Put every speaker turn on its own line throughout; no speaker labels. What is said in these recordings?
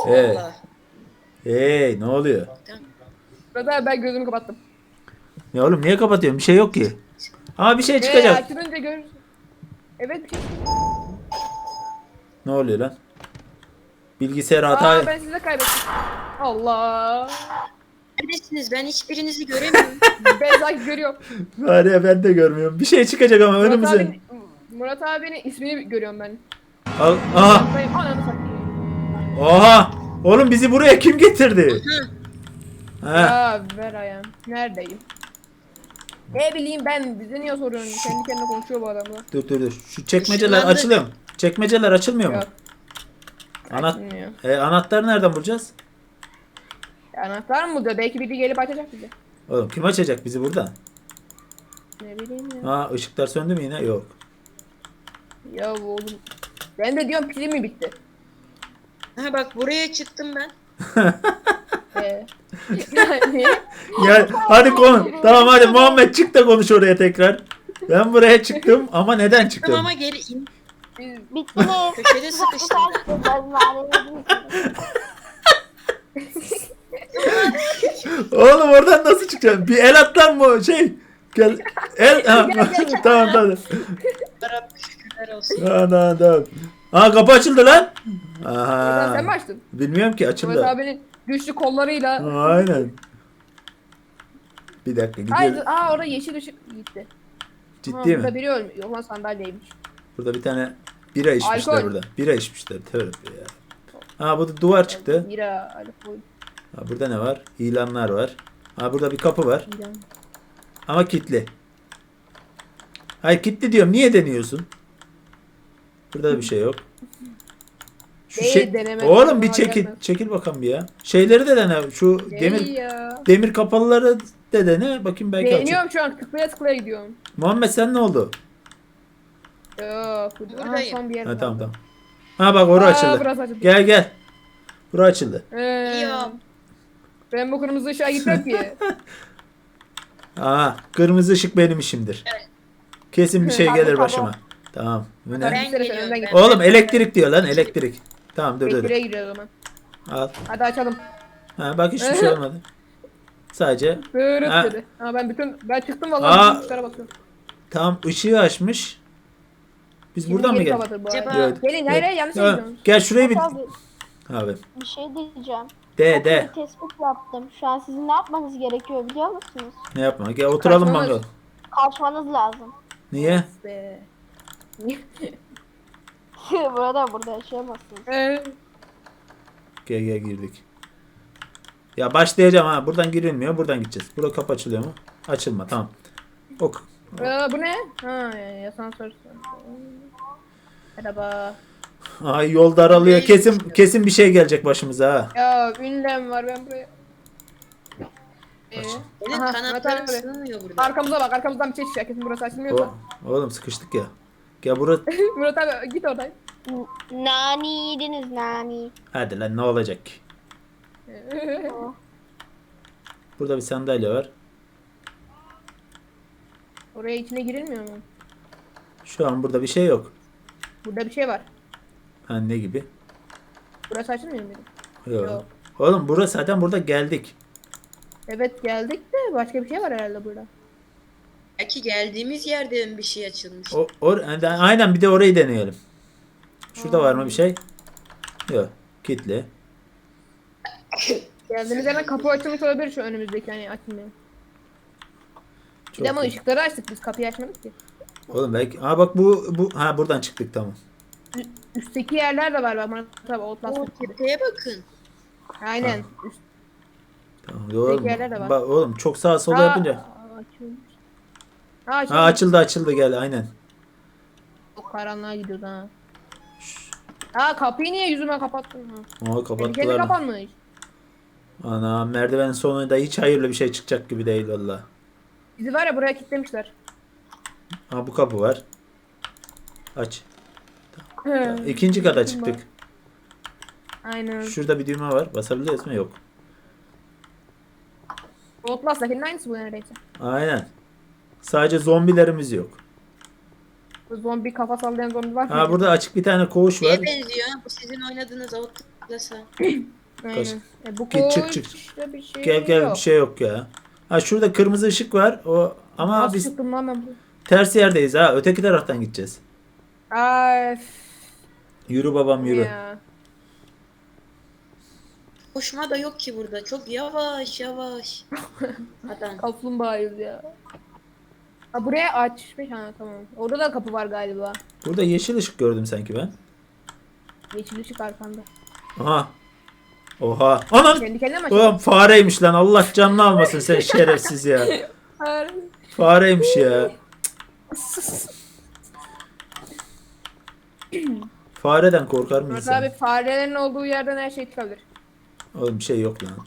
Evet.
Allah.
Hey, ne oluyor?
Tamam.
Burada ben gözümü kapattım.
Ya oğlum niye kapatıyorsun? Bir şey yok ki. Ama bir şey çıkacak.
Açılınca görürsün. Evet bir şey.
Ne oluyor lan? Bilgisayar
Aa
hata.
ben sizi kaybettim. Allah.
Neredesiniz? Ben hiçbirinizi göremiyorum.
Ben sanki görüyorum.
Var ya ben de görmüyorum. Bir şey çıkacak ama önümüze.
Murat abinin ismini görüyorum ben.
Al, aha.
Benim ananı satayım.
Oha. Oğlum bizi buraya kim getirdi? Ha.
Ya ver ayağım. Neredeyim? Ne bileyim ben bize niye soruyorsun? Kendi kendine konuşuyor bu adamla.
Dur. Şu çekmeceler
Işınlandı.
açılıyor mu? Çekmeceler açılmıyor mu?
Yok.
Anahtar.
Açılmıyor.
Anahtarı nereden bulacağız?
Anahtar mı diyor? Belki biri gelip açacak bize.
Oğlum kim açacak bizi burada?
Ne bileyim ya.
Ha ışıklar söndü mü yine? Yok.
Ya oğlum. Ben de diyorum pili mi bitti?
Ha bak buraya çıktım ben.
Yani.
Ya hadi tamam hadi Muhammed çık da konuş oraya tekrar. Ben buraya çıktım ama neden
Çıktım
çıktım?
ama geri in.
Bittiniz.
Köşede sıkıştım.
Oğlum oradan nasıl çıkacaksın? Bir el at lan bu şey. Gel. El. Ha. Tamam.
Rabbim şükürler olsun.
Tamam. Aa kapı açıldı lan.
Sen mi
Aha.
açtın?
Bilmiyorum ki
Murat
açıldı.
abinin güçlü kollarıyla.
Aynen. Bir dakika
Hayır,
gidiyor.
orada yeşil ışık gitti.
Ciddi
Burada
mi?
biri ölmüş. Yok lan sandalyeymiş.
Burada bir tane bira içmişler
Alkol.
burada. Bira içmişler. Tövbe ya. Ha burada duvar çıktı.
Bira, alkol,
Ha, burada ne var? İlanlar var. Ha burada bir kapı var.
bira.
Ama kilitli. Hayır kilitli diyorum. Niye deniyorsun? Burada da bir şey yok. Şu
Değil, deneme.
Oğlum bir
Aklıma
çekil.
gelmez.
Çekil bakalım bir ya. Şeyleri de dene. Şu
Değil ya.
demir kapalıları da dene. Bakayım belki açık.
Beğeniyorum şu an. Tıklaya tıklaya gidiyorum.
Muhammed sen ne oldu?
Yok.
Buradayım.
Son bir yer.
Ha tamam. Ha bak orası açıldı.
Burası açıldı.
Gel. Bura açıldı.
Ya.
Ben bu kırmızı ışığa gitmem ki.
Aa kırmızı ışık benim işimdir. Kesin bir şey
Hadi,
gelir
tamam.
başıma. Tamam. Bu ne?
Ben
Ben geliyorum.
önden
Ben.
Oğlum elektrik diyor lan elektrik. Tamam dur.
Elektriğe giriyor o zaman.
Al.
Hadi açalım.
Ha bak hiçbir şey olmadı. Sadece
Bırıt
Ha.
dedi. Ha ben çıktım
Aa.
vallahi bütün tuşlara basıyorum.
tam ışığı açmış. Biz
Şimdi
buradan mı
geri
geldik?
kapatır bu
Acaba-
arada.
Evet.
Gelin hayır yanlış
Ha,
gidiyorsunuz.
gel şurayı bir.
Abi
Abi.
bir şey diyeceğim.
De.
Bir tespit yaptım. Şu an sizin ne yapmanız gerekiyor biliyor musunuz?
Ne yapma? Gel oturalım
Kaçmamız.
mangal.
Kaçmanız lazım.
Niye?
Be.
Burada yaşayamazsınız.
Gel girdik. Ya başlayacağım ha. Buradan girilmiyor. Buradan gideceğiz. Burada kapı açılıyor mu? Açılma tamam. Ok.
Bu ne? Ha asansör. Merhaba.
Ay yol daralıyor. Kesin bir şey gelecek başımıza ha.
Ya ünlem var ben buraya.
Benim
Aha,
kanatlarım
Murat abi.
sığmıyor burada.
Arkamıza bak arkamızdan bir şey çıkacak kesin burası açılmıyorsa.
Oğlum sıkıştık ya. Gel burası.
Murat abi git oradan.
Nani yediniz nani.
Hadi lan ne olacak ki? Burada bir sandalye var.
Oraya içine girilmiyor mu?
Şu an burada bir şey yok.
Burada bir şey var.
Ha ne gibi?
Burası açılmıyor muydu?
Yok.
Yok.
Oğlum burası zaten burada geldik.
Evet geldik de başka bir şey var herhalde burada.
Belki geldiğimiz yerde bir şey açılmış.
Aynen bir de orayı deneyelim. Şurada var mı bir şey? Yok. Kilitli.
Geldiğimiz yerden kapı açılmış olabilir şu önümüzdeki hani açılmıyor. Bir
Çok
de ama
iyi.
ışıkları açtık biz kapıyı açmadık ki.
Oğlum belki. Ha bak bu ha buradan çıktık tamam.
Üstteki yerler de var bak Murat abi
O
Outlast'ın.
tepeye bakın.
Aynen. Üst...
Tamam. Oğlum,
yerler de var.
bak, oğlum çok sağa sola yapınca.
Açılmış. Açılmış.
Ha açıldı gel aynen.
Çok karanlığa gidiyordu ha. Ha kapıyı niye yüzüme kapattın ha?
Aa
Kendi
kapattılar.
kapanmış.
Ana merdiven sonunda hiç hayırlı bir şey çıkacak gibi değil valla.
Bizi var ya buraya kilitlemişler.
Ha bu kapı var. Aç. İkinci kata çıktık.
Aynen.
Şurada bir düğme var. Basabiliyoruz mu? Yok.
Outlast'takinin aynısı bu neredeyse.
Aynen. Sadece zombilerimiz yok.
Bu zombi kafa sallayan zombi var.
Ha burada açık bir tane koğuş var.
Neye benziyor? Bu sizin oynadığınız atlasa.
Aynen. Bu
Git, çık,
koç
çık.
işte bir şey
Gel gel,
yok.
bir şey yok ya. Ha şurada kırmızı ışık var. O ama
Nasıl
biz
çıktım lan ben bu?
ters yerdeyiz ha. Öteki taraftan gideceğiz.
Ay,
Yürü babam
bu
yürü.
ya.
Koşma da yok ki burada. Çok yavaş yavaş. Adam.
Kaplumbağayız ya. Ha buraya açmış ha tamam. Orada da kapı var galiba.
Burada yeşil ışık gördüm sanki ben.
Yeşil ışık arkanda.
Aha. Oha. Anan.
Kendi kendine mi
Ulan fareymiş lan. Allah canını almasın sen şerefsiz ya.
açıyor?
Fareymiş ya. Fareden korkar mıyız
Murat abi
sen?
farelerin olduğu yerden her şey çıkabilir.
Oğlum bir şey yok lan.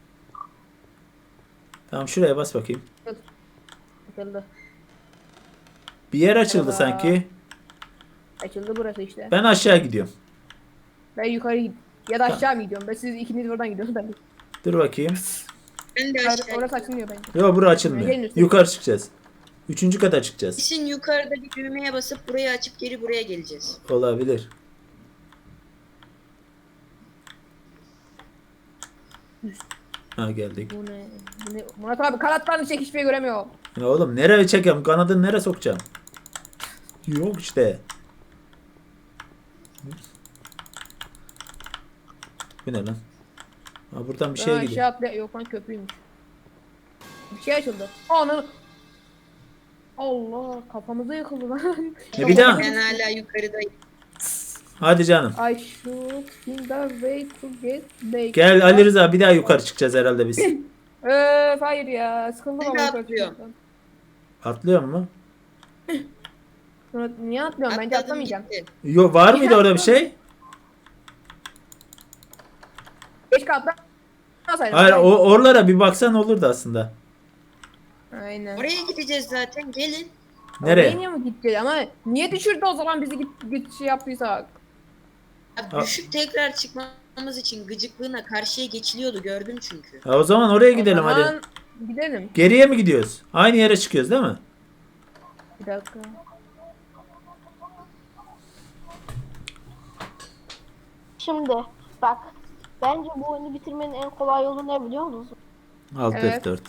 Tamam şuraya bas bakayım.
Açıldı.
Bir yer açıldı
Merhaba.
sanki.
Açıldı burası işte.
Ben aşağı gidiyorum.
Ben yukarı gidiyorum. Ya da aşağı mı gidiyorum? Ben siz ikiniz buradan gidiyorsunuz ben.
Dur bakayım.
Ben de aşağı.
Orası açılmıyor bence.
Yok bura açılmıyor.
Gelin üstüne.
Yukarı çıkacağız. 3. kata çıkacağız.
Kesin yukarıda bir düğmeye basıp burayı açıp geri buraya geleceğiz.
Olabilir. Ha geldik.
Bu ne? Bu ne? Murat abi kanatlarını çek hiçbir şey göremiyorum.
Ya oğlum nereye çekeyim? Kanadını nereye sokacağım? Yok işte. Bu ne lan? Ha, buradan bir şeye gidiyor.
Aşağı atlaya... Yok lan köprüymüş. Bir şey açıldı. Ananı... Allah kafamıza yıkıldı lan.
Bir daha.
Ben hala yukarıdayım.
Hadi canım.
I should find a way to get back.
Gel Ali Rıza, bir daha yukarı çıkacağız herhalde biz.
Öf hayır ya. Sıkıldım
Ben
ama
de
yukarı
atlıyorum.
çıkmaktan.
Atlıyor mu?
Murat niye atlıyorum? Bence
Atladım
atlamayacağım.
gitti.
Yok, var mıydı orada bir şey?
Keşke atlamasaydım.
Hayır, oralara bir baksan olurdu aslında.
Aynen.
Oraya gideceğiz zaten. Gelin.
Nereye?
Oraya niye mi gideceğiz ama niye düşürdü o zaman bizi git şey yaptıysak?
Abi düşüp tekrar çıkmamız için gıcıklığına karşıya geçiliyordu. Gördüm çünkü.
Ha, o zaman oraya gidelim
O
hadi.
zaman gidelim.
Geriye mi gidiyoruz? Aynı yere çıkıyoruz değil mi?
Bir dakika.
Şimdi bak. Bence bu oyunu bitirmenin en kolay yolu ne biliyor musun?
Alt
Evet.
F4.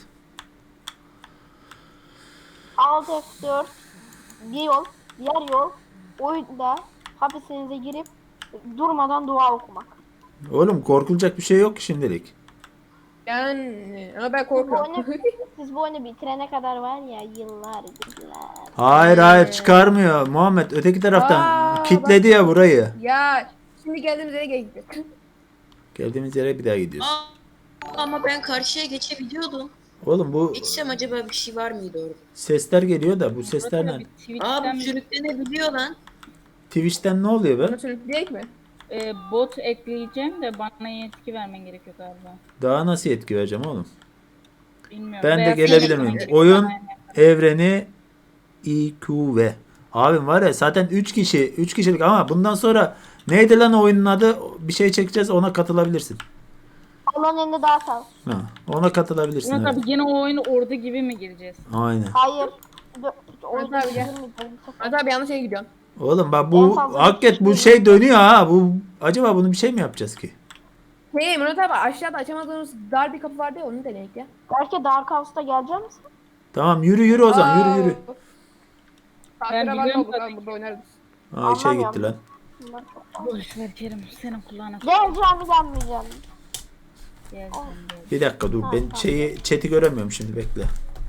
Alt F4 bir yol, diğer yol oyunda hapishanenize girip durmadan dua okumak.
Oğlum korkulacak bir şey yok ki şimdilik.
Yani ama ben
Bu oyunu,
korkuyorum.
siz bu oyunu bitirene kadar var ya yıllar.
Hayır hayır, çıkarmıyor Muhammed. Öteki taraftan
Aa,
kilitledi ya burayı.
Ya şimdi geldiğimiz yere geldik.
Geldiğimiz yere bir daha gidiyoruz.
Ama ben karşıya geçebiliyordum.
Oğlum bu
Geçsem acaba bir şey var mıydı orada?
sesler geliyor da bu sesler ne?
Aa
Twitch'ten
bu sürüklenebiliyor lan.
Twitch'ten ne oluyor be?
Bunu sürükleyecek mi?
bot ekleyeceğim de bana yetki vermen gerekiyor galiba.
Daha nasıl yetki vereceğim oğlum?
Bilmiyorum.
Ben de
Veya
gelebilir
senin
miyim?
gerekiyor,
Oyun
bana yani.
evreni IQV. Abim var ya zaten 3 kişilik ama bundan sonra neydi lan oyunun adı? Bir şey çekeceğiz, ona katılabilirsin.
Allah'ın elinde daha sağ.
Ha, ona katılabilirsin.
Murat
Evet.
abi yine o oyunu orada gibi mi gireceğiz?
Aynen.
Hayır. Oyunda
Hadi abi, gel.
bitirmeyeceğim bu sefer.
Murat abi yanlış yere gidiyorsun.
Oğlum bak
En
bu
fazla
hakikaten bu şey dönüyor ha. Bu acaba bunu bir şey mi yapacağız ki?
Hey Murat abi aşağıda açamadığımız dar bir kapı vardı ya onu deneyek ya.
Belki Dark House'da gelecek misin?
Tamam yürü o zaman yürü.
Tatlıra var
biliyorum
olduk
tabii
abi
ki.
burada oynarız.
Aa şey
Anlamıyorum.
gitti lan.
Bunlar çok-
Boş ver Kerim. Senin kulağına
Geleceğim mi gelmeyeceğim mi?
gel.
Bir dakika dur, ben chat'i göremiyorum şimdi, bekle.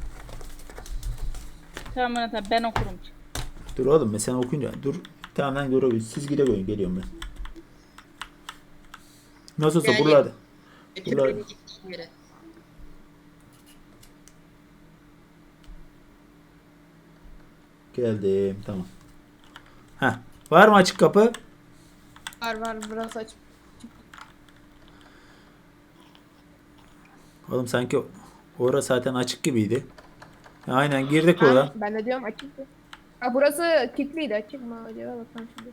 Tamam Murat abi ben okurum.
Dur oğlum, ben sen okuyunca dur. Tamam lan dur, siz gide geliyorum ben. Nasıl olsa
Yani-
buralarda.
Götür
Ulan.
beni gittiğin yere.
Geldim, tamam. Heh, var mı açık kapı?
Var burası aç.
Oğlum sanki orası zaten açık gibiydi. Aynen girdik oradan.
Ben de diyorum açıktı. Ha burası kilitliydi açık mı acaba bakalım şimdi.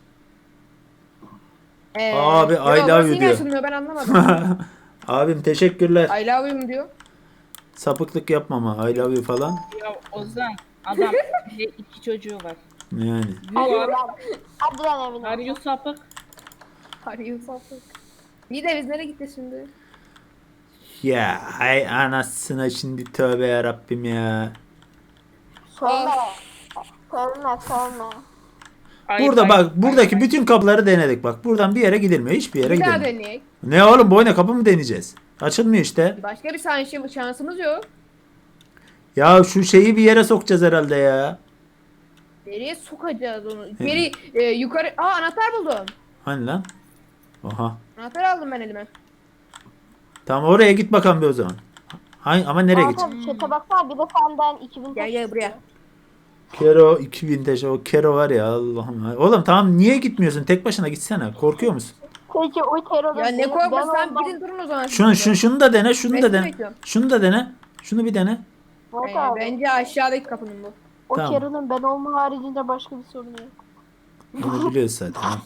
Abi,
ya
I love
burası
you
yine
diyor.
açılmıyor ben anlamadım.
Abim teşekkürler.
I love you mu diyor.
Sapıklık yapmama. I love you falan.
Ya Ozan adam iki çocuğu var.
Yani.
Hadi
You are,
lan. Hadi lan evine.
are you sapık?
Arıyor sapık. İyi de biz nereye gideceğiz şimdi?
Ya hay anasına şimdi tövbe yarabbim ya.
Söyle. Söyleme.
Ayıp,
Burada
ayıp,
bak
ayıp,
buradaki
ayıp.
bütün kapıları denedik bak. Buradan bir yere gidilmiyor. Hiçbir yere
Bir daha
gidilmiyor.
deneyek.
Ne oğlum boyuna kapı mı deneyeceğiz? Açılmıyor işte.
Başka bir şansımız yok.
Ya şu şeyi bir yere sokacağız herhalde ya.
Nereye sokacağız onu? Geri yukarı. Aa anahtar buldum.
Hani lan? Oha.
Anahtar aldım ben elime.
Tamam oraya git bakalım bir o zaman. Ama nereye
Aa,
git?
tabii chat'e baksana bir de senden 2000
Gel gel buraya.
Kero 2000 taş o Kero var ya Allah'ım. Oğlum tamam niye gitmiyorsun? Tek başına gitsene. Korkuyor musun?
Peki o terörist.
Ya ne korkmasın sen gidin durun o zaman.
Şunu da dene, şunu da
Resmi
dene.
bekliyorum.
Şunu da dene. Şunu bir dene.
Bence aşağıdaki kapının bu.
O
Tamam.
Carol'ın ben olma haricinde başka bir sorunu yok.
Bunu biliyoruz zaten. ha.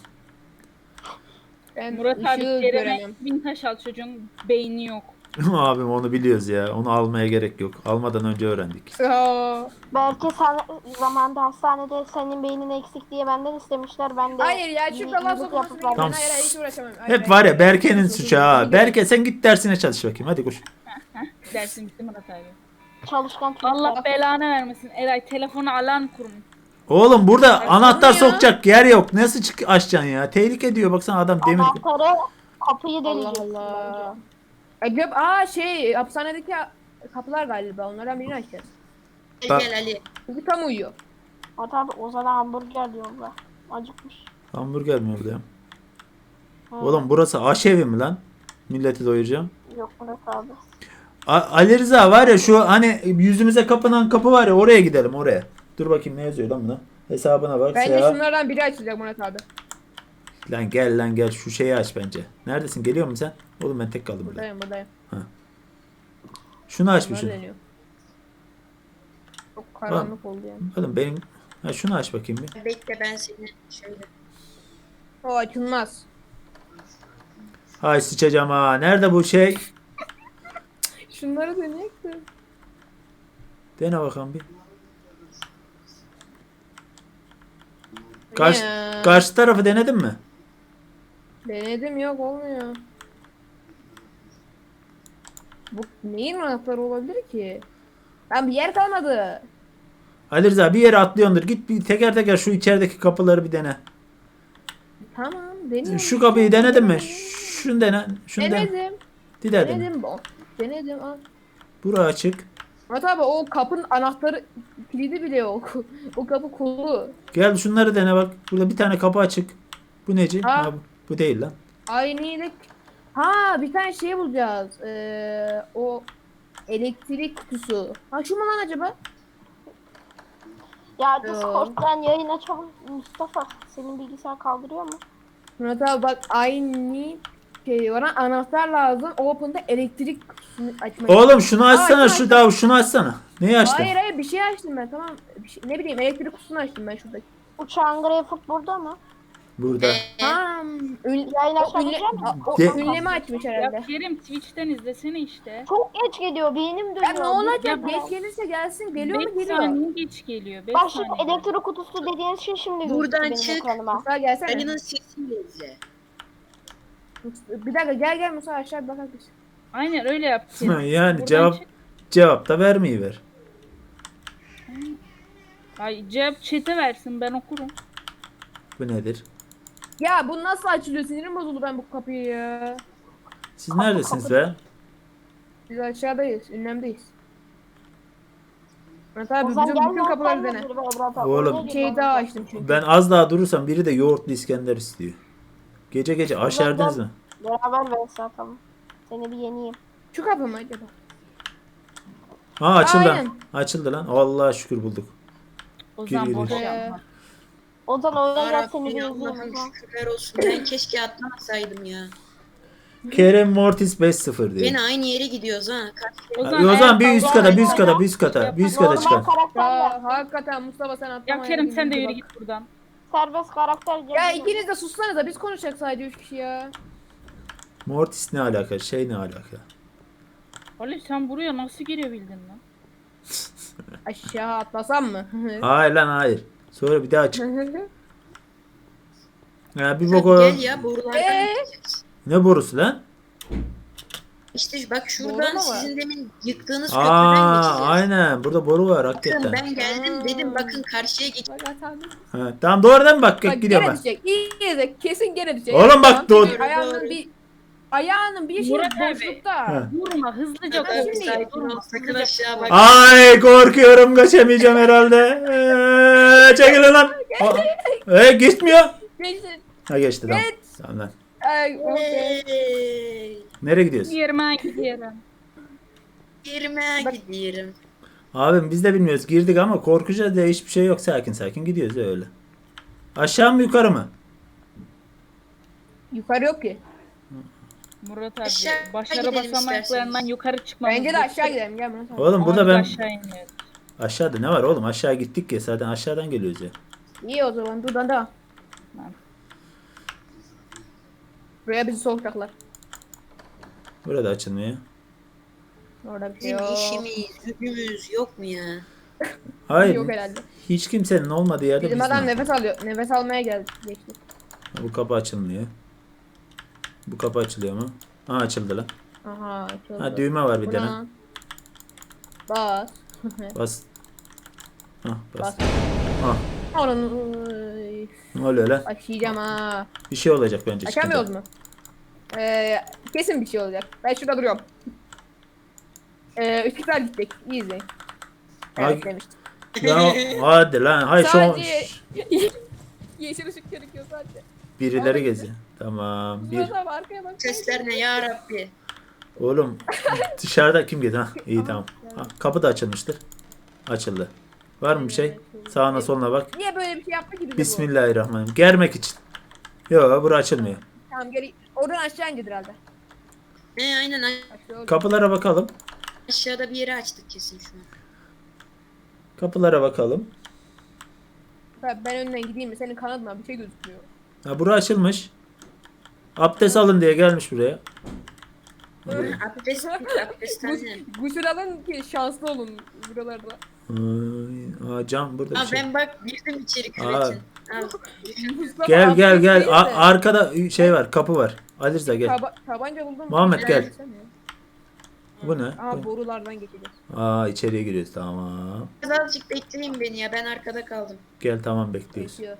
Ben
Murat abi
ışığı
Kerem'e
göremiyorum.
1000 taş al, çocuğun beyni yok.
Abim onu biliyoruz ya. Onu almaya gerek yok. Almadan önce öğrendik.
Aa.
Belki sen zamanında hastanede senin beynin eksik diye benden istemişler. Ben de
Hayır ya şu laf
iyilik
sokmasına
yapıp
Tamam.
hayır hayır hiç uğraşamam. Hayır,
Hep var ya
hayır.
Berke'nin suçu ha. Berke sen git dersine çalış bakayım. Hadi koş.
Dersin bitti Murat abi.
çalışkan çocuklar.
Allah belanı vermesin. Eray telefonu alarm kurun.
Oğlum burada anahtar
ya.
sokacak yer yok. Nasıl açacaksın ya? Tehlike diyor. Baksana adam demir.
Anahtarı kapıyı
Allah
deleyeceksin
Allah.
bence.
Hapishanedeki kapılar galiba onlardan birini açacağız.
Gel gel Ali.
Çünkü tam uyuyor.
Murat abi o zaman hamburger diyorlar. Acıkmış.
Hamburger mi orada ya?
Hı.
Oğlum burası aşevi mi lan? Milleti doyuracağım.
Yok Murat abi.
Ali Rıza var ya şu hani yüzümüze kapanan kapı var ya oraya gidelim oraya. Dur bakayım ne yazıyor lan buna. Hesabına bak.
Bence
Seha.
şunlardan biri açılacak Murat abi.
Lan gel şu şeyi aç bence. Neredesin? Geliyor musun sen? Oğlum ben tek kaldım burada.
Buradayım.
Şunu aç bir
Bunlar
şunu.
deniyor. Çok karanlık oldu yani.
Oğlum benim şunu aç bakayım bir.
Bekle ben seni şöyle.
O açılmaz.
Ay sıçacağım ha. Nerede bu şey?
Şunları deneyek de.
Dene bakalım bir.
Ya.
Karşı tarafı denedin mi?
Denedim yok olmuyor. Bu neyin anahtarı olabilir ki? Ben bir yer kalmadı.
Ali Rıza bir yere atlıyordur. Git bir teker teker şu içerideki kapıları bir dene.
Tamam deniyorum.
Şu kapıyı denedin mi? Şunu dene. Şunu dene.
Denedim.
Bir daha dene.
Denedim. Denedim. Al.
Bura açık.
Murat abi o kapının anahtarı kilidi bile yok. O kapı kolu.
Gel şunları dene bak. Burada bir tane kapı açık. Bu neci?
Ha.
Ha, bu değil lan.
Aynı. Ha bir tane şey bulacağız. O elektrik kutusu. Ha şu mu lan acaba?
Ya Discord'dan yayın açalım. Mustafa senin bilgisayar kaldırıyor mu?
Murat abi bak aynı şey var. Anahtar lazım. Open'da elektrik kutusunu açmak.
Oğlum şunu açsana
açtım,
şu
açtım.
daha şunu açsana. Neyi açtın?
Hayır bir şey açtım ben tamam. Ne bileyim elektrik kutusunu açtım ben şuradaki.
Uçağın Greyfoot burada mı?
Burada.
Ha,
Yayın açabilecek misin?
o
De-
ünleme açmış
Ya
herhalde.
Kerim Twitch'ten izlesene işte.
Çok geç geliyor beynim dönüyor.
Ya ne olacak?
Ya
Geç gelirse gelsin. Geliyor mu
5
geliyor.
saniye geç geliyor. 5
Bak şimdi
saniye.
elektrik kutusu dediğiniz şey şimdi
Buradan
gözüktü benim
çık.
ekranıma.
Musa gelsene.
Ali'nin sesiyle izle.
Bir dakika gel Musa aşağı bir bakalım biz.
Aynen öyle yap Kerim.
Yani
Buradan çık.
cevap da vermeyi ver.
Ay cevap chat'e versin, ben okurum.
Bu nedir?
Ya bu nasıl açılıyor? Sinirim bozuldu ben bu kapıyı ya.
Siz neredesiniz be?
Biz aşağıdayız. Ünlemdeyiz. Murat abi
Ozan
bütün
gelme,
kapıları
sen de
dene.
bir be Murat abi.
Oğlum.
Oraya
Bir
gir
şey
bana.
daha açtım çünkü.
Ben az daha durursam biri de yoğurtlu İskender istiyor. Gece gece aşerdiniz mi?
Beraber vs atalım. Seni bir yeneyim.
Şu kapı mı acaba?
Ha açıldı lan.
Aynen.
Açıldı lan. Allah'a şükür bulduk.
Ozan
Gir,
boş
gir.
yapma.
Ozan oyuna gel seni bir
Yarabbim
izleyeyim.
Allah'ım
Ozan.
şükürler olsun. Ben keşke atlamasaydım ya.
Kerem Mortis 5-0 diyor.
Yine aynı yere gidiyoruz ha.
O zaman bir
eğer
üst
kavga
kata, bir üst
ediyorsan
kata, bir üst kata, bir üst kata
Normal
çıkar.
karakter
Ya
yap.
hakikaten Mustafa sen atlama.
Ya Kerim sen de yürü
bak.
git buradan.
Serbest karakter
Ya
gel.
ikiniz de sussanıza biz konuşacak sadece 3 kişi ya.
Mortis ne alaka? Şey ne alaka?
Ali sen buraya nasıl girebildin lan?
Aşağı atlasam mı?
Hayır lan hayır. Sonra bir daha çık. Ya bir bok o.
Gel ya borulardan gideceğiz.
Ne borusu lan?
İşte bak
Doğru
şuradan
mu var?
sizin demin yıktığınız köprüden
Aa,
geçeceğiz.
aynen. Burada boru var
Bakın
hakikaten.
ben geldim dedim bakın karşıya geç.
Bak atandım.
Ha, tamam doğrudan mı bak
Bak
gidiyorum
gene
ben.
düşecek. İyi de kesin gene düşecek.
Oğlum bak,
Tamam,
doğru.
Ayağının bir şey
Murat abi.
boşlukta.
Ha.
Vurma hızlıca
Tamam,
koş.
şimdi-
sakin ol, sakın aşağı bak.
Ay korkuyorum kaçamayacağım herhalde. Çekilin lan. Gitmiyor.
Geçsin.
Ha geçti tamam.
Geç.
Tamam lan.
Ay, okay.
Hey,
Nereye gidiyorsun?
Yerime gidiyorum.
yerime
Bak-
gidiyorum.
Abim biz de bilmiyoruz. Girdik ama korkacağız diye hiçbir şey yok. Sakin sakin gidiyoruz öyle. Aşağı mı yukarı mı?
Yukarı yok ki.
Murat abi
Aşağı
başarı
gidelim
basamaklarından
isterseniz.
yukarı çıkmamız
Bence de
gerekiyor.
aşağı gidelim gel Murat abi.
Oğlum burada
Ama biz
ben
aşağı iniyoruz.
aşağıda ne var oğlum? Aşağı gittik ya zaten aşağıdan geliyoruz ya.
İyi o zaman buradan da.
Tamam.
Buraya bizi sokacaklar.
Burada açılmıyor.
Orada bir şey
Bizim
yok.
işimiz, gücümüz yok mu ya?
Hayır.
Yok herhalde.
Hiç kimsenin olmadığı yerde
Bizim
biz
adam
ne?
nefes alıyor. Nefes almaya geldi. Geçti.
Bu kapı açılmıyor. Bu kapı açılıyor mu? Ha açıldı lan.
Aha açıldı.
Ha düğme var bir
Bu
tane.
ne? Bas.
Bas. Hah bas.
Bas.
Hah.
Onun
Ne oluyor lan?
açacağım ha.
Bir şey olacak bence.
Açamıyoruz
çıkınca.
mu? Kesin bir şey olacak. Ben şurada duruyorum. Işıklar gidecek. İyi izleyin.
Ay-
Evet demiştim.
Ya hadi lan. Hay şu
Sadece yeşil ışık gerekiyor sadece.
birileri geziyor. Tamam. Bir.
Murat abi arkaya bak.
Sesler ne ya Rabbi?
Oğlum dışarıda kim geziyor? Ha iyi tamam. Ha, kapı da açılmıştır. Açıldı. Var mı bir şey? Sağına soluna bak.
Niye böyle bir şey yaptı ki bize bu?
Bismillahirrahmanirrahim. Germek için. Yok bura açılmıyor.
Tamam geri. Oradan aşağı indir herhalde.
Aynen
Aşağı oldu.
Kapılara bakalım.
aşağıda bir yere açtık kesin şu an.
Kapılara bakalım.
Ben önden gideyim mi? Senin kanadından bir şey gözükmüyor.
Ha bura açılmış. Abdest alın diye gelmiş buraya.
Abdesthane.
Gusül alın ki şanslı olun buralarda.
Cam burada bir
Aa
şey.
ben bak girdim içeri
Aa.
küvetin. Al, düşün.
Mustafa
Gel gel
abdest
gel.
değil de
Arkada şey var, kapı var. Ali Rıza gel.
Tabanca buldum.
Muhammed, gel.
Gelsene.
Bu ne?
Aha borulardan geçeceğiz.
İçeriye giriyoruz. Tamam.
Azıcık bekleyin beni ya ben arkada kaldım.
Gel tamam bekliyoruz.
Geçiyor.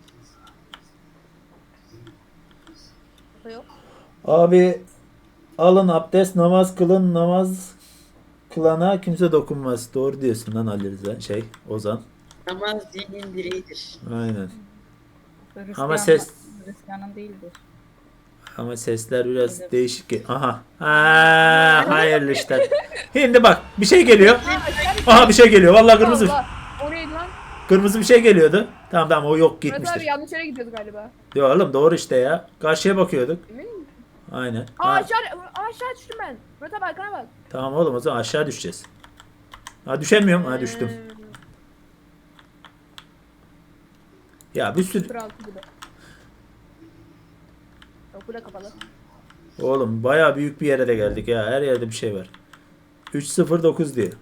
Yok.
Abi alın abdest, namaz kılın, namaz kılana kimse dokunmaz. Doğru diyorsun lan Ali Rıza. Ozan.
Namaz dinin direğidir.
Aynen.
Hristiyan-
Ama ses-
Hristiyanın değildir.
Ama sesler biraz değişik. Aha. Hayırlı işler. Şimdi bak bir şey geliyor. Aha bir şey geliyor. Vallahi kırmızı.
Allah. O neydi lan?
Kırmızı bir şey geliyordu. Tamam o yok
Murat abi
gitmiştir.
yanlış yere gidiyoruz galiba.
Yo oğlum doğru işte ya. Karşıya bakıyorduk.
Emin misin?
Aynen.
Aa
Ha,
aşağı düştüm ben. Murat abi arkana bak.
tamam oğlum o zaman aşağı düşeceğiz. Ha düşemiyorum. Ha düştüm. Ya bir sürü.
06 gibi. Okula kapalı.
Oğlum bayağı büyük bir yere de geldik ya. Her yerde bir şey var. 309 diyor.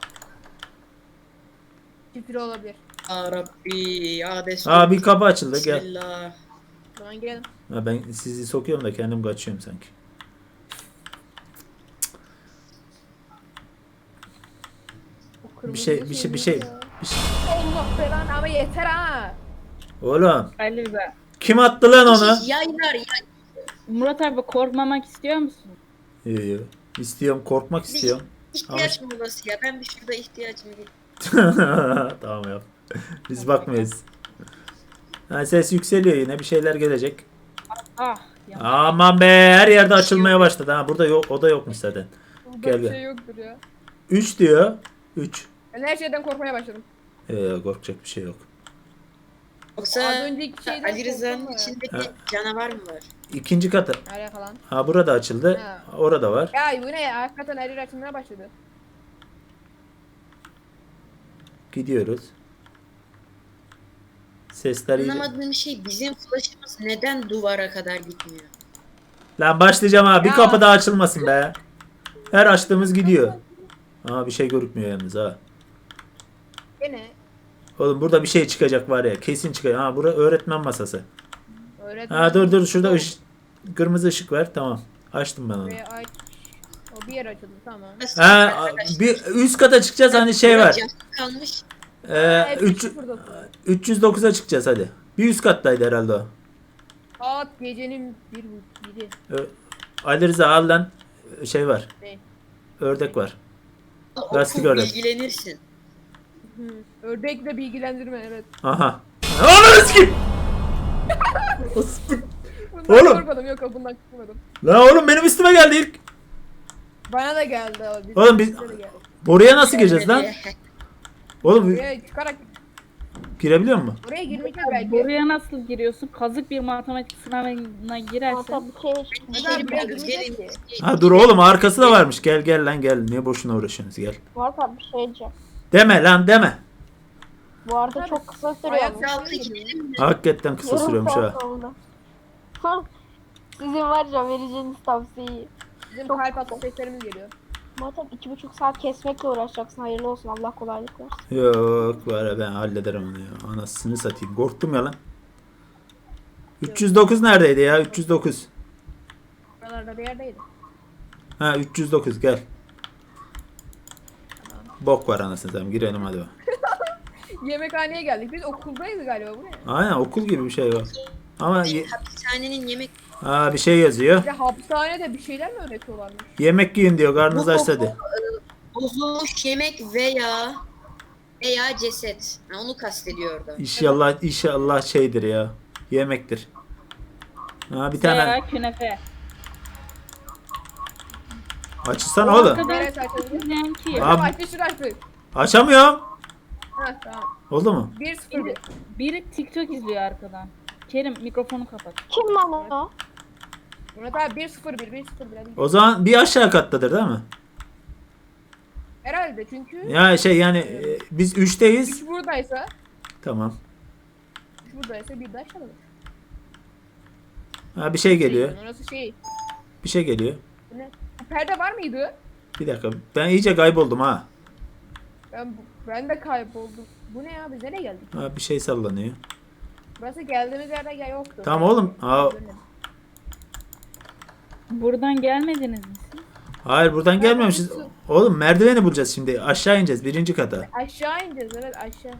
Şifre olabilir.
Ya Rabbi ya destur.
Aa bir kapı açıldı gel.
Bismillah.
O zaman girelim.
Ha, ben sizi sokuyorum da kendim kaçıyorum sanki.
O kırmızı
Bir şey.
ya. Allah belanı ama yeter ha.
Oğlum
Ali Rıza.
kim attı lan onu?
Yaylar ya.
Murat abi korkmamak istiyor musun?
Yo. İstiyorum korkmak istiyorum.
İhtiyaç molası ya. Ben bir şurada ihtiyacımı görüyorum.
Tamam yap. Biz bakmayız. Ha, ses yükseliyor yine bir şeyler gelecek.
Ah. Ya.
Aman be her yerde açılmaya başladı. Ha burada yok o da yokmuş zaten.
Burada
Gel,
bir
gel.
şey yoktur ya.
3 diyor. 3.
Ben her şeyden korkmaya başladım.
Korkacak bir şey yok.
Yoksa
Az önceki şeyden
Ali Rıza'nın
korktum ya.
içinde
Ha.
bir canavar mı var?
İkinci katı.
Nereye falan.
Ha burada açıldı.
Ha.
Orada var.
Ya bu ne ya? Hakikaten her yer açılmaya başladı.
Gidiyoruz. Sesler iyice.
Anlamadığım şey bizim flash'ımız neden duvara kadar gitmiyor?
Lan başlayacağım ha. Bir
Ya.
kapı daha açılmasın be. Her açtığımız gidiyor. Ha bir şey görükmüyor yalnız ha.
Gene
Oğlum burada bir şey çıkacak var ya. Kesin çıkacak. Ha bura öğretmen masası.
öğretmen.
Ha dur şurada Kırmızı ışık ver. Tamam. Açtım ben onu.
Buraya aç. O bir yer açıldı tamam.
Ha, bir üst kata çıkacağız hani şey var.
Kalmış.
Evet,
309'a çıkacağız hadi. Bir üst kattaydı herhalde o.
Saat gecenin 1:30.
Ali Rıza al lan. Şey var.
Ne?
Ördek var.
Oku,
Lastik ördek.
bilgilenirsin.
Ördekle bilgilendirme evet.
Aha. Ananı sikeyim.
Bundan
Oğlum.
korkmadım yok bundan korkmadım.
Lan oğlum benim üstüme geldi ilk.
Bana da geldi o.
Oğlum biz-
bize de geldi.
Oraya nasıl gireceğiz lan? Oğlum
Buraya çıkarak
girebiliyor mu?
oraya girmeyeceğiz belki.
Buraya nasıl giriyorsun? Kazık bir matematik sınavına girersen
Hatta bir şey
Neden buraya
Gelin,
girmeyeceğiz
gelin.
ki?
Ha dur oğlum arkası da varmış. Gel gel lan gel. Niye boşuna uğraşıyorsunuz gel.
Hatta bir şey diyeceğim.
Deme lan deme.
Bu arada çok kısa
Ayak
sürüyormuş.
Altı gidelim mi?
Hakikaten kısa
Yarım
sürüyormuş ha.
saat oldu. Sizin var ya vereceğiniz tavsiyeyi.
Bizim
Çok
kalp atış seslerimiz geliyor.
Muhatap 2,5 saat kesmekle uğraşacaksın. Hayırlı olsun. Allah kolaylık versin.
Yok var ya ben hallederim onu ya. Anasını satayım. Korktum ya lan. 309 neredeydi ya? 309.
Buralarda bir yerdeydi.
Ha 309 gel. Bok var anasını satayım. Girelim hadi.
Yemekhaneye geldik. Biz okuldayız galiba bu ne?
Aynen okul gibi bir şey var. Ama
Hapishanenin yemek
bir şey yazıyor.
Bir de hapishanede bir şeyler mi öğretiyorlarmış?
Yemek yiyin diyor. Karnınız açsa hadi.
bozulmuş yemek veya ceset. Ha, onu kastediyor orada.
İnşallah şeydir ya. Yemektir. Ha bir tane
veya künefe.
açsana oğlum.
kadar
Neresi açıldı?
izleyen ki.
Abi-
Tamam açtı şunu açtı.
Açamıyorum.
Heh tamam.
Oldu mu?
1-0.
Biri TikTok izliyor arkadan. Kerim mikrofonu kapat.
Kim lan o?
Murat abi 1-0-1 hadi.
O zaman bir aşağı kattadır değil mi?
Herhalde çünkü
Ya şey yani biz 3'teyiz.
3 buradaysa
Tamam.
3 buradaysa bir de aşağıdadır.
Ha bir şey geliyor.
Orası şey.
Bir şey geliyor.
Bu ne? Bu perde var mıydı?
Bir dakika. Ben iyice kayboldum ha.
Ben de kayboldum. Bu ne ya biz nereye geldik?
Ha bir şey sallanıyor.
Burası geldiğimiz yerde yoktu.
Tamam oğlum.
Buradan gelmediniz mi siz?
Hayır buradan gelmemişiz. Oğlum merdiveni bulacağız şimdi. Aşağı ineceğiz birinci kata.
Aşağı ineceğiz evet aşağı.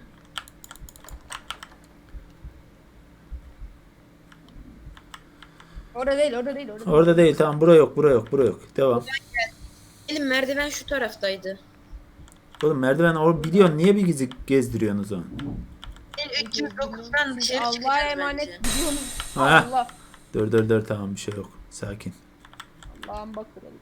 Orada değil.
Orada değil tamam bura yok. Devam.
Gelin merdiven şu taraftaydı.
Oğlum merdiven biliyorsun niye bir gizli gezdiriyorsun o zaman?
309'dan dışarı
Allah'a
çıkacağız
emanet
bence.
gidiyoruz.
Ha.
Allah.
Dur tamam bir şey yok. Sakin.
Allah'ım bak kırıldı.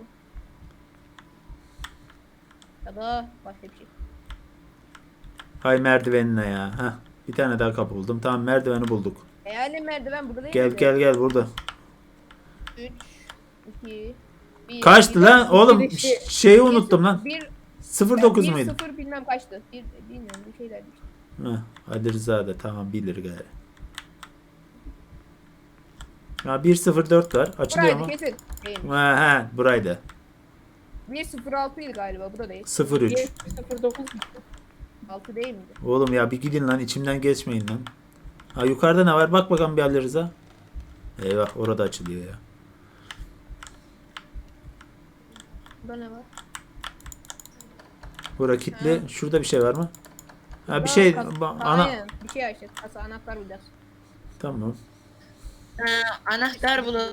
Ya da başka bir şey.
Hay merdivenine ya. Heh. Bir tane daha kapı buldum. Tamam merdiveni bulduk.
Yani merdiven burada değil
Gel
miydi?
gel burada.
3, 2, 1.
Kaçtı lan? Oğlum şeyi unuttum lan.
1,
09 muydu?
0 bilmem kaçtı. Bilmiyorum bir şeyler işte.
Heh, Ali Rıza da tamam bilir gari. Ya 104 var. Açılıyor
Buraydı
mu?
kesin. Değil.
Buraydı.
106 idi galiba bu da değil.
03.
09 mu?
6 değil miydi?
Oğlum ya bir gidin lan içimden geçmeyin lan. Ha yukarıda ne var? Bak bakalım bir Ali Rıza. Eyvah orada açılıyor ya.
Burada ne var?
Bura kilitli. Şurada bir şey var mı? Ha bir
Burada
şey
Aynen. Bir şey açacağız. Kasa anahtar bulacağız.
Tamam.
Anahtar bulalım.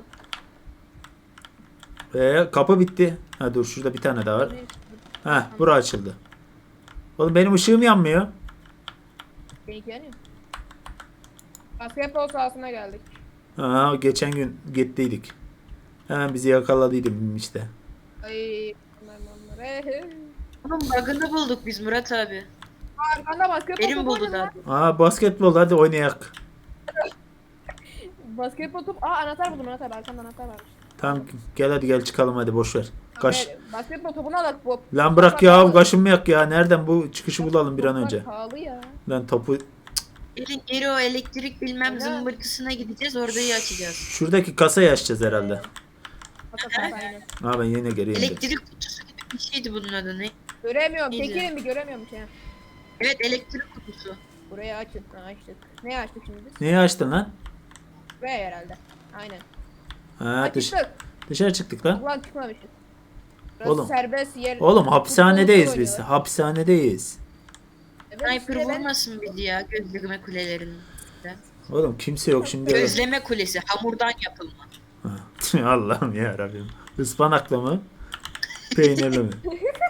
Kapı bitti. Ha dur şurada bir tane daha var. Ha bura açıldı. Oğlum benim ışığım yanmıyor.
Benimki yanıyor. Basketbol sahasına geldik.
Ha geçen gün gittiydik. Hemen bizi yakaladıydım işte.
Ay bunlar.
Onun bug'ını bulduk biz Murat abi.
Arkanda basketbol
Elim
topu
buldu
oynadı lan.
zaten.
Basketbol hadi oynayak.
Basketbol topu. Anahtar buldum anahtar. Arkanda anahtar varmış.
Tamam gel hadi gel çıkalım hadi boş ver. Kaş.
Basketbol topunu alak bu.
Lan bırak ya kaşınmayak ya. Nereden bu çıkışı bulalım bir an önce.
Pahalı ya.
Lan topu
Gelin geri o elektrik bilmem
Aynen.
zımbırtısına gideceğiz orayı açacağız.
şuradaki kasayı açacağız herhalde.
Kasa aynen.
Ha ben yine geleyim. de.
Elektrik kutusu gibi bir şeydi bunun adı ne?
Göremiyorum.
İyice.
Çekilin bir göremiyorum şey.
Evet elektrik kutusu.
Burayı açın. Ha açtık. Ne açtık şimdi biz?
Neyi açtın lan?
Buraya herhalde. Aynen.
Ha,
Çıktık.
dışarı çıktık lan.
Ulan çıkmamışız. Burası
Oğlum.
serbest yer.
Oğlum hapishanedeyiz
Futbol
biz.
oynuyorlar.
Hapishanedeyiz.
Evet,
Sniper
işte ben-
vurmasın bizi ya gözleme kulelerinde.
Oğlum kimse yok şimdi.
Gözleme kulesi hamurdan yapılma.
Allah'ım ya Rabbim. Ispanaklı mı? Peynirli mi?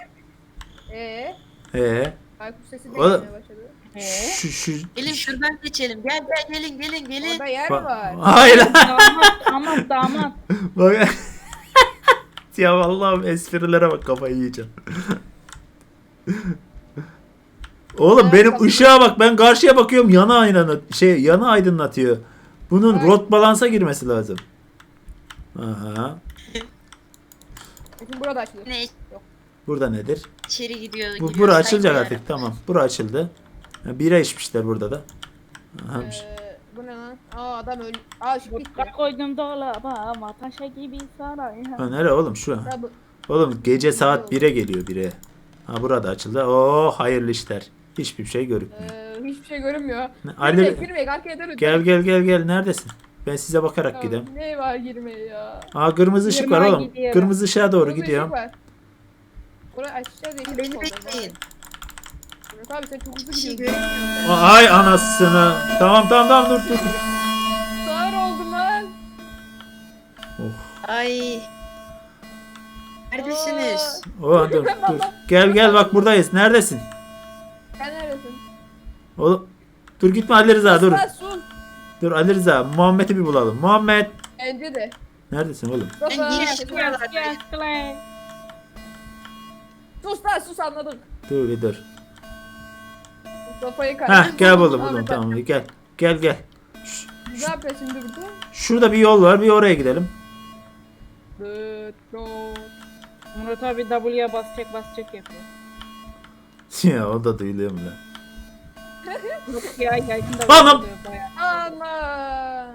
Baykuş sesi de
Oğlum.
gelmeye başladı.
Şu
Gelin şuradan geçelim. Gel gelin.
Orada yer mi
Bak-
var?
Hayır.
Damat.
Bak. Ya Allah'ım esprilere bak, kafayı yiyeceğim. Oğlum benim ışığa bak, ben karşıya bakıyorum, yana aydınlatıyor. Bunun
Ay.
rot balansa girmesi lazım. Aha.
Şimdi burada açılır.
Ne
Burada nedir?
içeri gidiyor.
Bu
giriyor,
bura açılacak
saygı
artık, tamam. Bura açıldı. Ha, bira içmişler burada da. Aha.
Bu ne lan? Adam öldü. Şu gitti.
Vodka koydum dolaba ama taşa gibi saray.
Ha, nere oğlum şu?
Ha, bu-
Oğlum gece saat 1'e geliyor 1'e. Ha, burada açıldı. Oo, hayırlı işler. Hiçbir şey görünmüyor.
Hiçbir şey görünmüyor.
Ali,
Girmeyin arkaya dönün.
gel neredesin? Ben size bakarak
Ya,
gideyim.
Ne var girmeye ya?
Aa, kırmızı ışık var
Yirmiye
oğlum.
gidiyorum.
Kırmızı ışığa doğru
Kırmızı
gidiyorum.
ışık var. Burayı açacağız diye.
Beni bekleyin.
Abi sen çok hızlı
Bir şey
gidiyorsun.
göremiyorum.
Ay anasını. Tamam dur.
Sağır oldum lan.
Ay. Neredesiniz?
Oh, dur. Gel bak buradayız. Neredesin?
Sen neredesin?
Oğlum. Dur gitme Ali Rıza dur.
Lan sus.
Dur Ali Rıza. Muhammed'i bir bulalım. Muhammed.
Bence de.
Neredesin oğlum?
Mustafa.
Ben girişmiyorlar.
Yes, Clay.
Sus lan sus anladık.
Dur.
Mustafa'yı
Heh,
kaybettim.
gel buldum
Abi,
tamam gel.
Ne yapıyorsun şimdi burada?
Şurada bir yol var. Bir oraya gidelim.
Murat abi W'ye basacak yapıyor.
Ya o da duyuluyor mu lan?
Yok ya yayında
Anam!
oluyor bayağı.
Aman.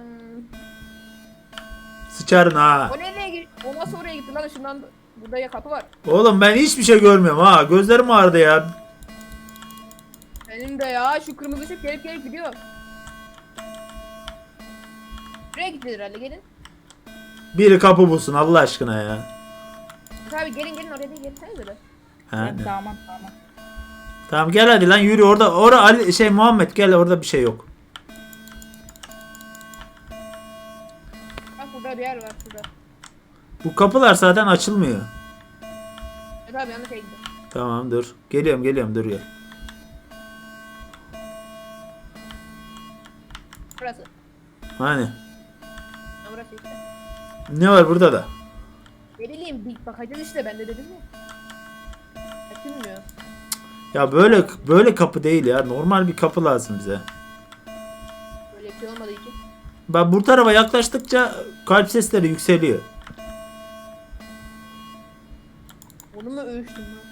Sıçarın ha.
O nereye gitti? O nasıl oraya gitti lan? Şundan burada ya kapı var.
Oğlum ben hiçbir şey görmüyorum ha. Gözlerim ağrıdı ya.
Benim de ya şu kırmızı ışık gelip gidiyor. Buraya gitti herhalde gelin.
Biri kapı bulsun Allah aşkına ya.
Abi gelin oraya da gelsenize de.
Ha,
Evet,
ne?
damat.
Tamam gel hadi lan yürü orada. Ali Muhammed gel, orada bir şey yok.
Bak burada bir yer var şurada.
Bu kapılar zaten açılmıyor.
Evet abi yanlış yere gitti.
Tamam dur. Geliyorum dur ya.
Burası.
Hani
Ha, burası işte.
ne var burada da?
Ne bileyim bir bakacağız işte ben de dedim ya. Açılmıyor.
Ya böyle kapı değil ya. Normal bir kapı lazım bize.
Böyle bir şey olmadığı için.
Bak bu tarafa yaklaştıkça kalp sesleri yükseliyor.
Onu mu ölçtüm lan?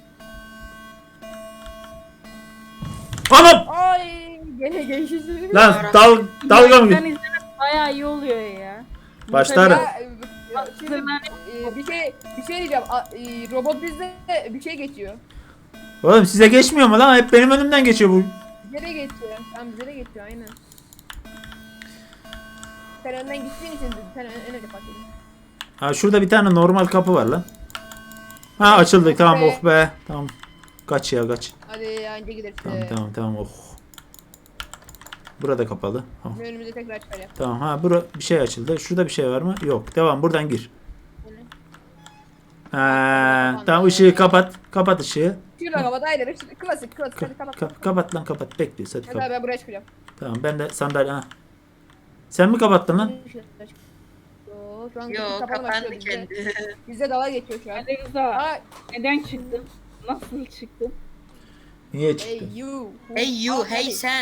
Anam!
Ay gene geçişleri.
Lan dalga mı?
Ben izlemek bayağı iyi oluyor ya.
Başlarım.
Şimdi, bir şey diyeceğim. Robot bizde bir şey geçiyor.
Oğlum size geçmiyor mu lan? Hep benim önümden geçiyor bu.
Bize de geçiyor. Tamam bize de geçiyor aynen. Sen önden gittiğin için sen öyle fark edin.
Ha şurada bir tane normal kapı var lan. Ha açıldı, tamam oh be. Tamam. Kaç.
Hadi anca gidersin.
Tamam oh. Burada kapalı. Oh.
Önümüze tekrar çıkar yap.
Tamam ha bir şey açıldı. Şurada bir şey var mı? Yok. Devam buradan gir. Ha, tamam ışığı kapat. Kapat ışığı.
Şurada kapat aynen. Klasik hadi kapat.
Kapat lan kapat. Bekliyoruz hadi
Hadi
kapat.
abi ben buraya çıkacağım.
Tamam ben de sandalye. Ha. Sen mi kapattın lan?
Yo, şu an
Yo
kapalı
kapandı
başlıyor bizde.
kendi.
Bizde dalga geçiyor şu an.
Ali Rıza
Aa,
neden çıktın? Nasıl çıktın?
Niye
hey
çıktın?
you.
Hey you, hey sen.